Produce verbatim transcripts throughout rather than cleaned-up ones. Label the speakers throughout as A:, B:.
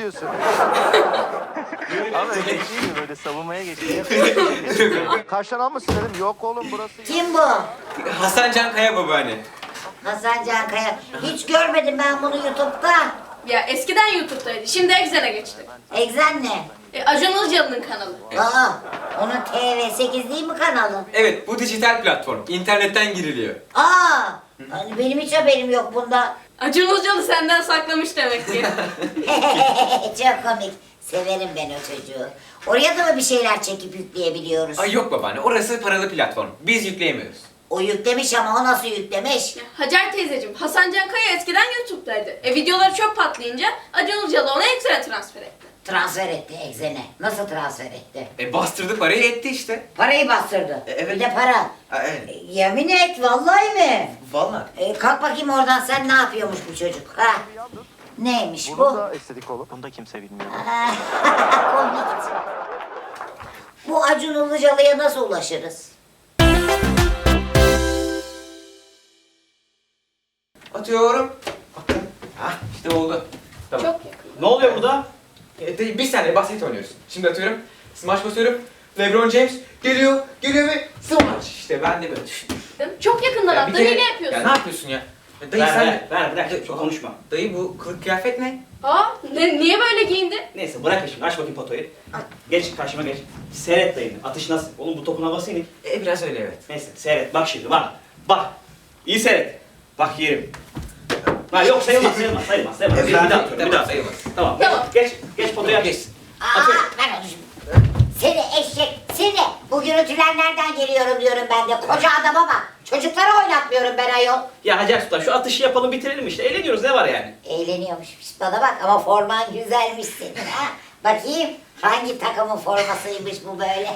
A: diyorsun? Ama öyle değil mi? Böyle savunmaya geçiyor. Karşıdan almışsın dedim. Yok oğlum burası.
B: Kim bu?
C: Hasan Can Kaya babaanne.
B: Hasan Can Kaya. Hiç görmedim ben bunu YouTube'da.
D: Ya eskiden YouTube'daydı. Şimdi Exxen'e geçti.
B: Exxen ne?
D: E, Acun Ilıcalı'nın kanalı.
B: Aa, onun T V sekiz değil mi kanalı?
C: Evet, bu dijital platform. İnternetten giriliyor.
B: Aa, hani benim hiç haberim yok bunda.
D: Acun Ilıcalı senden saklamış demek ki.
B: Çok komik. Severim ben o çocuğu. Oraya da mı bir şeyler çekip yükleyebiliyoruz?
C: Ay yok babaanne, orası paralı platform. Biz yükleyemiyoruz.
B: O yüklemiş ama o nasıl yüklemiş?
D: Ya, Hacer teyzeciğim, Hasan Can Kaya eskiden YouTube'daydı. E videoları çok patlayınca Acun Ilıcalı onu Exxen'e transfer etti.
B: Transfer etti Exxen'e. Nasıl transfer etti?
C: E bastırdı parayı etti işte.
B: Parayı bastırdı.
C: E, evet.
B: Bir de para.
C: Ha, evet.
B: E, yemin et vallahi mi?
C: Vallahi.
B: E, kalk bakayım oradan, sen ne yapıyormuş bu çocuk? Ha? Neymiş
A: Bunun
B: bu?
A: da estetik olur. Bunu da kimse bilmiyor.
B: Komik. Bu Acun Ilıcalı'ya nasıl ulaşırız?
C: Atıyorum. Bakın. Hah, işte oldu. Tamam.
D: Çok yakın.
E: Ne oluyor burada?
C: E, de- bir saniye basket oynuyoruz. Şimdi atıyorum. Smash basıyorum. LeBron James geliyor, geliyor ve smash. İşte ben de böyle düşündüm.
D: Çok yakından
C: Ya bir
D: attın,
C: kere-
D: yine yapıyorsun.
C: Ya ne yapıyorsun ya? Ya dayı
E: Ver,
C: sen...
E: ver, ver, bırak. Çok konuşma.
C: Dayı bu kılık kıyafet ne?
D: Aa, ne, niye böyle giyindin?
E: Neyse bırak şimdi. Aç bakayım potoyu. Geç karşıma geç. Seyret dayını. Atış nasıl? Oğlum bu topun havası inik.
C: E biraz öyle evet.
E: Neyse seyret. Bak şimdi bak. Bak. İyi seyret. Bak yerim. Ha yok sayılmaz sayılmaz sayılmaz. sayılmaz. Bir daha atıyorum. Bir daha
C: sayılmaz.
E: Tamam.
D: Tamam.
E: Geç. Geç potoya geç.
B: Aa,
E: Atıyorum.
B: ben onu şimdi- Seni eşek, seni. Bu gürültüler nereden geliyorum diyorum ben de. Koca adama bak. Çocukları oynatmıyorum ben ayol.
E: Ya Hacer Sultan şu atışı yapalım bitirelim işte. Eğleniyoruz ne var yani?
B: Eğleniyormuş. Pişt, bana bak ama forman güzelmiş senin ha. Bakayım hangi takımın formasıymış bu böyle.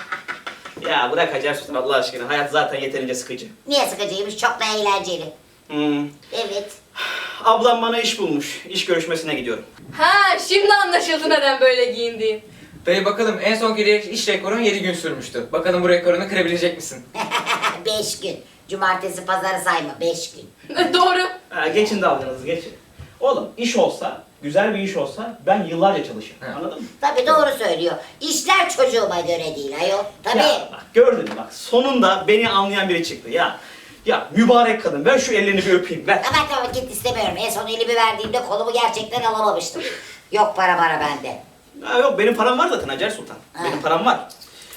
E: Ya bırak Hacer Sultan Allah aşkına. Hayat zaten yeterince sıkıcı.
B: Niye sıkıcıymış? Çok da eğlenceli.
E: Hmm.
B: Evet.
E: Ablam bana iş bulmuş. İş görüşmesine gidiyorum.
D: Ha, şimdi anlaşıldı neden böyle giyindiğin.
C: Dayı bakalım en son kere iş rekorun yedi gün sürmüştü. Bakalım bu rekorunu kırabilecek misin?
B: Beş gün. Cumartesi pazarı sayma. Beş gün.
D: Doğru.
E: Ha, geçin dalganızı geçin. Oğlum iş olsa, güzel bir iş olsa ben yıllarca çalışırım.
C: He.
E: Anladın mı?
B: Tabii doğru söylüyor. İşler çocuğuma göre değil ayol. Tabii.
E: Ya bak gördün mü bak sonunda beni anlayan biri çıktı ya. Ya mübarek kadın ver şu ellerini bir öpeyim ver.
B: Tamam tamam git istemiyorum. En son elimi verdiğimde kolumu gerçekten alamamıştım. Yok para para bende.
E: Ha, yok benim param var zaten Hacer Sultan.
B: Ha.
E: Benim param var.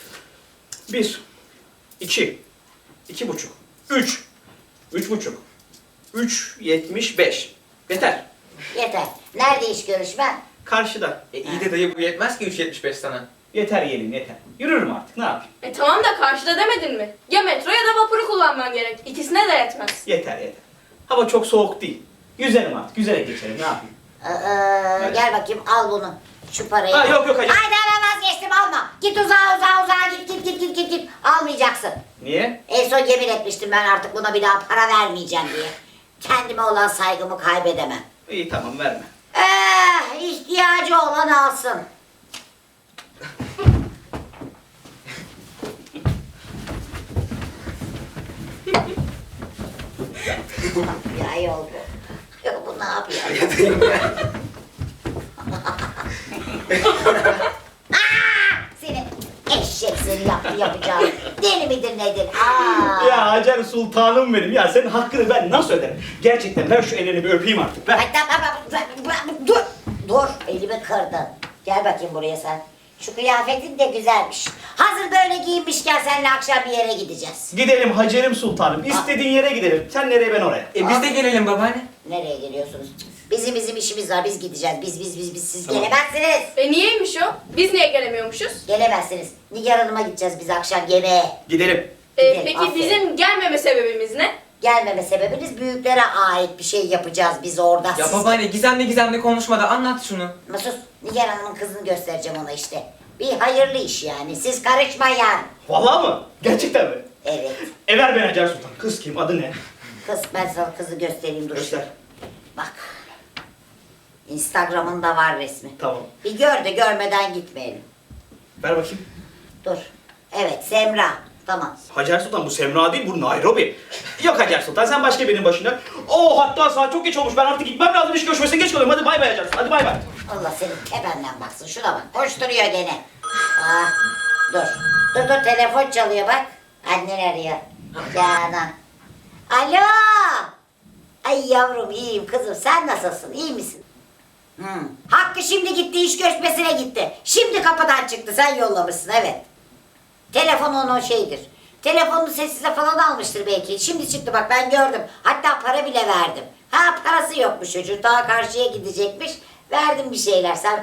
E: Bir, iki, iki buçuk, üç, üç buçuk, üç yetmiş beş. Yeter.
B: Yeter. Nerede iş görüşmen?
E: Karşıda.
C: E iyi de dayı bu yetmez ki üç yetmiş beş sana.
E: Yeter yeğenim yeter. Yürürüm artık ne yapayım.
D: E tamam da karşıda demedin mi? Ya metro ya da vapuru kullanman gerek. İkisine de yetmez.
E: Yeter yeter. Hava çok soğuk değil. Yüzerim artık. Yüzerek geçerim ne yapayım.
B: Ee,
E: Evet.
B: Gel bakayım al bunu. Şu parayı.
E: Ha, yok, yok, hayır.
B: Haydi hemen vazgeçtim alma. Git uzağa uzağa uzağa git git git git git git. Almayacaksın.
E: Niye?
B: En son yemin etmiştim ben artık buna bir daha para vermeyeceğim diye. Kendime olan saygımı kaybedemem.
E: İyi tamam verme.
B: Eh, ihtiyacı olan alsın. Ya yol bu. Ya bu ne yapıyor? Aa, seni eşek seni yaptı yapacağım. Deli midir nedir? Aa.
E: Ya Hacer Sultanım benim. Ya senin hakkını ben nasıl öderim? Gerçekten ver şu ellerini bir öpeyim artık. Ver.
B: Ay, tamam, tamam, dur. Dur. Elimi kırdın. Gel bakayım buraya sen. Şu kıyafetin de güzelmiş. Hazır böyle giyinmişken seninle akşam bir yere gideceğiz.
E: Gidelim Hacerim Sultanım. İstediğin yere gidelim. Sen nereye ben oraya.
C: E biz de gelelim babaanne.
B: Nereye geliyorsunuz? Bizim bizim işimiz var. Biz gideceğiz. Biz biz biz biz siz
E: Tamam.
B: gelemezsiniz.
D: E niyeymiş o? Biz niye gelemiyormuşuz?
B: Gelemezsiniz. Nigar Hanım'a gideceğiz biz akşam yemeğe.
E: Gidelim.
D: E,
B: Gidelim,
D: peki
B: aferin.
D: bizim gelmeme sebebimiz ne?
B: Gelmeme sebebiniz büyüklere ait bir şey yapacağız biz orada.
C: Ya
B: Siz-
C: babaanne gizemli gizemli konuşma da anlat şunu.
B: Ama sus. Nigar Hanım'ın kızını göstereceğim ona işte. Bir hayırlı iş yani. Siz karışmayın.
E: Vallahi mı? Gerçekten mi?
B: Evet.
E: E ver ben Hacer Sultan. Kız kim? Adı ne?
B: Kız ben sana kızı göstereyim dur.
E: Göster.
B: Bak. Instagram'ında var resmi.
E: Tamam.
B: Bir gör de görmeden gitmeyelim.
E: Ver bakayım.
B: Dur. Evet Semra. Tamam.
E: Hacer Sultan bu Semra değil bu Nairobi. Yok Hacer Sultan sen başka birinin başına. Oo hatta saat çok geç olmuş ben artık gitmem lazım iş görüşmesine geç kalıyorum. Hadi bay bay Hacer Sultan hadi bay bay.
B: Allah senin tependen baksın. Şuna bak. Koşturuyor gene. Aa, dur. Dur dur telefon çalıyor bak. Annen arıyor. Canan. Alo. Ay yavrum iyiyim kızım. Sen nasılsın? İyi misin? Hmm. Hakkı şimdi gitti. İş görüşmesine gitti. Şimdi kapıdan çıktı. Sen yollamışsın evet. Telefon onun şeydir. Telefonunu sessize falan almıştır belki. Şimdi çıktı bak ben gördüm. Hatta para bile verdim. Ha parası yokmuş çocuğun. Daha karşıya gidecekmiş. Verdim bir şeyler. Sen...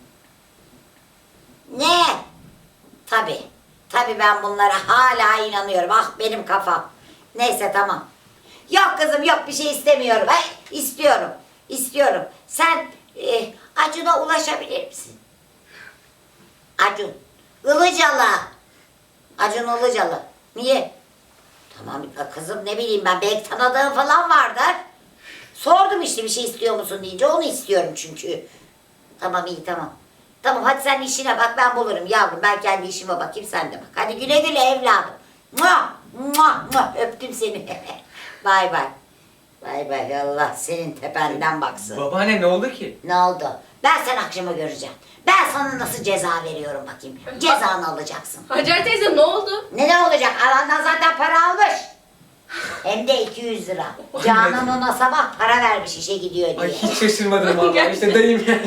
B: Ne? Tabii. Tabii ben bunlara hala inanıyorum. Ah benim kafam. Neyse tamam. Yok kızım yok bir şey istemiyorum. Ay, istiyorum. İstiyorum. Sen e, Acun'a ulaşabilir misin? Acun. Ilıcalı. Acun Ilıcalı. Niye? Tamam kızım ne bileyim ben belki tanıdığım falan vardır. Sordum işte bir şey istiyor musun deyince onu istiyorum çünkü. Tamam iyi tamam. Tamam hadi sen işine bak ben bulurum yavrum. Ben kendi işime bakayım sen de bak. Hadi güle güle evladım. Mua, mua, mua. Öptüm seni. Bay bay. Bay bay Allah senin tependen baksın.
C: Babaanne ne oldu ki?
B: Ne oldu? Ben sen akşama göreceğim. Ben sana nasıl ceza veriyorum bakayım. Cezanı alacaksın.
D: Hacer teyze ne oldu?
B: Ne ne olacak? Alandan zaten para almış. Hem de iki yüz lira. Canan ona sabah para vermiş işe gidiyor diye.
C: Ay hiç şaşırmadım vallahi. İşte dayım yani.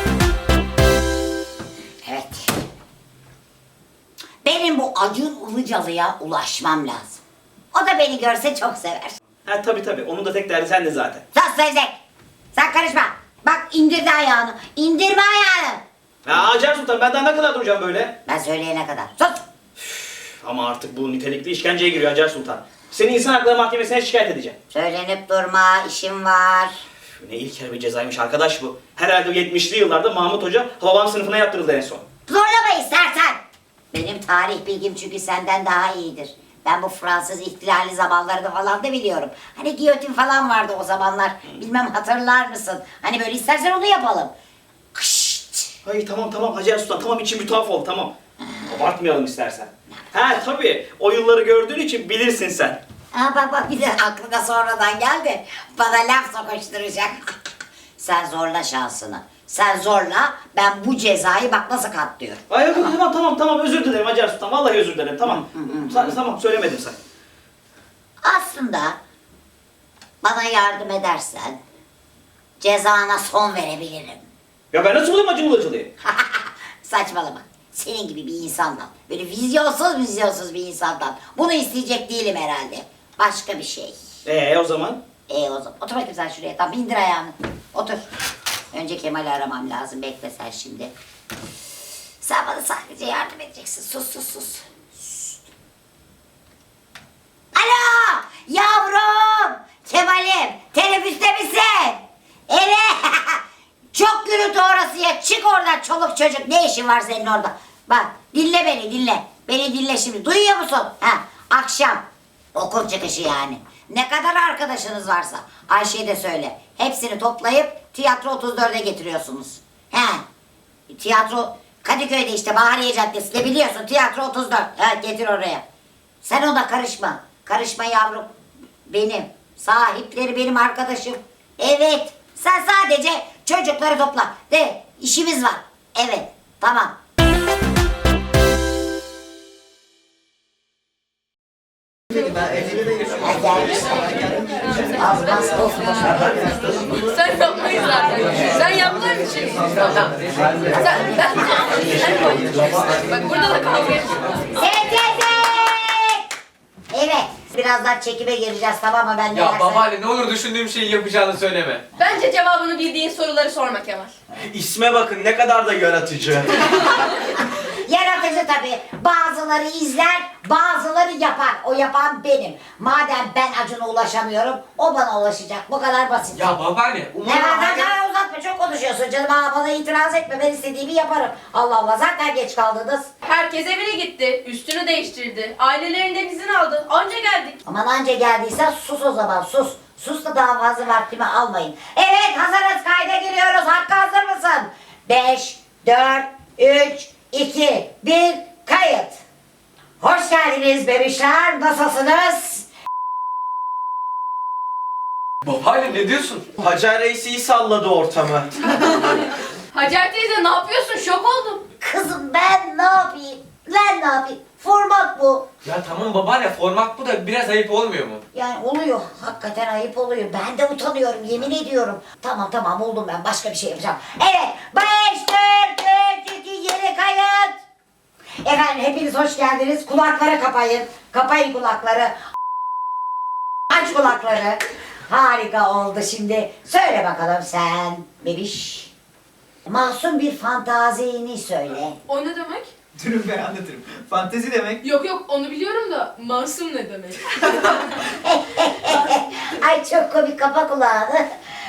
B: Evet. Benim bu Acun Ilıcalı'ya ulaşmam lazım. O da beni görse çok sever.
E: Ha tabii tabii. Onun da tek derdi sen de zaten.
B: Sus Sevzek. Sen karışma. Bak indirdi ayağını. İndirme ayağını.
E: Ya Hacer Sultan ben daha ne kadar duracağım böyle?
B: Ben söyleyene kadar. Sus.
E: Ama artık bu nitelikli işkenceye giriyor Hacer Sultan. Seni insan hakları mahkemesine şikayet edeceğim.
B: Söylenip durma. İşim var.
E: Üf, Ne ilkel bir cezaymış arkadaş bu. Herhalde yetmişli yıllarda Mahmut Hoca Hababam sınıfına yaptırıldı en son.
B: Zorlama istersen. Benim tarih bilgim çünkü senden daha iyidir. Ben bu Fransız ihtilali zamanlarını falan da biliyorum. Hani giyotin falan vardı o zamanlar. Bilmem hatırlar mısın? Hani böyle istersen onu yapalım. Kışt.
E: Ay tamam tamam Hacer Sultan tamam içim bir tuhaf oldu tamam. Abartmayalım istersen. Ha tabii o yılları gördüğün için bilirsin sen.
B: Aa, bak bak bir de aklına sonradan geldi. Bana laf sokuşturacak. Sen zorla şansını. Sen zorla ben bu cezayı bak nasıl katlıyorum.
E: Ay yok yok tamam tamam tamam özür dilerim Hacer Sultan vallahi özür dilerim tamam. Sa- tamam söylemedim sen.
B: Aslında bana yardım edersen cezana son verebilirim.
E: Ya ben nasıl bulayım Acun Ilıcalı'yı?
B: Saçmalama. Senin gibi bir insandan, böyle vizyonsuz vizyonsuz bir insandan bunu isteyecek değilim herhalde. Başka bir şey.
E: Ee o zaman?
B: E o zaman otur bakayım sen şuraya. Tamam indir ayağını. Otur. Önce Kemal'i aramam lazım. Bekle sen şimdi. Sen bana sadece yardım edeceksin. Sus sus sus. Şşt. Alo! Yavrum! Kemal'im! Teneffüste misin? Evet! Çok gürültü orası ya. Çık oradan çoluk çocuk. Ne işin var senin orada? Bak dinle beni dinle. Beni dinle şimdi. Duyuyor musun? Ha, akşam. Okul çıkışı yani. Ne kadar arkadaşınız varsa Ayşe'ye de söyle. Hepsini toplayıp tiyatro otuz dörde getiriyorsunuz. He. Tiyatro Kadıköy'de işte Bahariye Caddesi'nde biliyorsun tiyatro otuz dört. He, getir oraya. Sen ona karışma. Karışma yavrum. Benim. Sahipleri benim arkadaşım. Evet. Sen sadece çocukları topla. De işimiz var. Evet. Tamam. Ha, gelmişler. Az bas of
D: Sen yapmayız zaten. Sen yapmayı bir şey. Sen, ben, bak burada da kavga ediyoruz.
B: Evet. Birazdan çekime gireceğiz tamam mı? Ben de
C: Ya
B: yersen-
C: babaanne ne olur düşündüğüm şeyi yapacağını söyleme.
D: Bence cevabını bildiğin soruları sorma Kemal.
F: İsme bakın ne kadar da yaratıcı.
B: Yaratıcı tabii. Bazıları izler, bazıları yapar. O yapan benim. Madem ben Acun'a ulaşamıyorum, o bana ulaşacak. Bu kadar basit.
C: Ya babaanne
B: Ne
C: umarım
B: var sen
C: Hacer...
B: daha uzatma, çok konuşuyorsun canım. Ha, bana itiraz etme, ben istediğimi yaparım. Allah Allah, zaten geç kaldınız.
D: Herkes evine gitti, üstünü değiştirdi, ailelerinden izin aldı, anca geldik.
B: Aman anca geldiysen sus o zaman, sus. Sus da daha fazla vaktimi almayın. Evet, hazırız, kayda giriyoruz. Hakkı hazır mısın? Beş, dört, üç, iki, bir, kayıt. Hoş geldiniz bebişler, nasılsınız?
C: Babaanne ne diyorsun?
F: Hacer Reis iyi salladı ortamı.
D: Hacer teyze ne yapıyorsun? Şok oldum.
B: Kızım ben ne yapayım? Ben ne yapayım? Format bu.
C: Ya tamam babaanne format bu da biraz ayıp olmuyor mu?
B: Yani oluyor. Hakikaten ayıp oluyor. Ben de utanıyorum. Yemin ediyorum. Tamam tamam buldum ben. Başka bir şey yapacağım. Evet. beş, dört, üç, iki, yeni kayıt. Efendim hepiniz hoş geldiniz. Kulakları kapayın. Kapayın kulakları. Aç kulakları. Harika oldu şimdi. Söyle bakalım sen bebiş. Masum bir fantazini söyle.
D: O ne demek?
C: Durun ben anlatırım. Fantezi demek.
D: Yok yok onu biliyorum da masum ne demek?
B: Ay çok komik, kapa kulağını.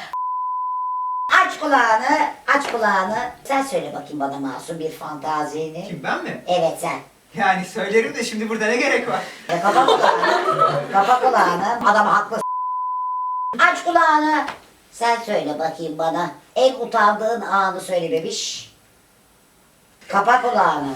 B: Aç kulağını, aç kulağını. Sen söyle bakayım bana masum bir fantazini.
G: Kim, ben mi?
B: Evet sen.
G: Yani söylerim de şimdi burada ne gerek var?
B: E, kapa kulağını. Kapa kulağını. Adam haklı. Aç kulağını. Sen söyle bakayım bana. En utandığın anı söyle bebiş. Kapa kulağını.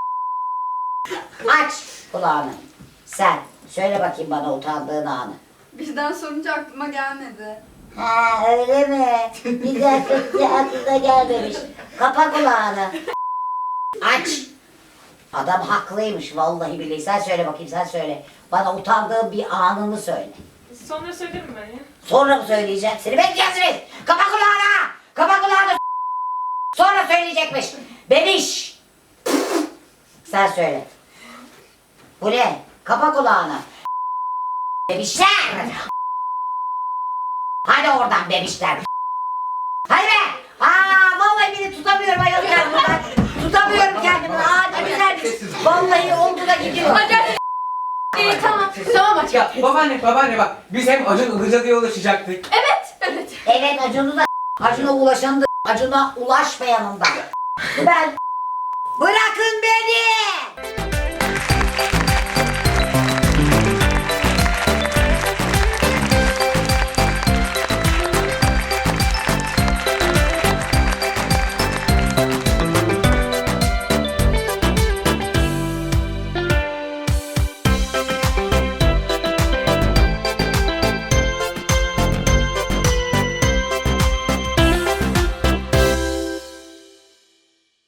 B: Aç kulağını. Sen söyle bakayım bana utandığın anı.
H: Birden sorunca aklıma gelmedi.
B: Ha öyle mi? Bir dakika aklına gelmemiş. Kapa kulağını. Aç. Adam haklıymış vallahi billahi. Sen söyle bakayım sen söyle. Bana utandığın bir anını söyle.
D: Sonra söylerim ben ya.
B: Sonra mı söyleyeceğim? Seni bekleyeceksiniz. Kapa kulağını. Kapa kulağını. Sonra söyleyecekmiş. Bebiş. Sen söyle. Bu ne? Kapa kulağını. Bebişler. Hadi oradan bebişler. Hadi be. Aa vallahi beni tutamıyorum ayol kendimden. Tutamıyorum kendimi. Aa ne güzelmiş. Vallahi oldu da gidiyor.
D: Hacer teyze. İyi tamam. Tamam Hacer.
C: Ya babaanne babaanne bak biz hem Acun Ilıcalı'ya ulaşacaktık.
D: Evet evet.
B: Evet Acun'u da Acun'a ulaşanı da Acun'a ulaşmayanın da. Ben bırakın beni.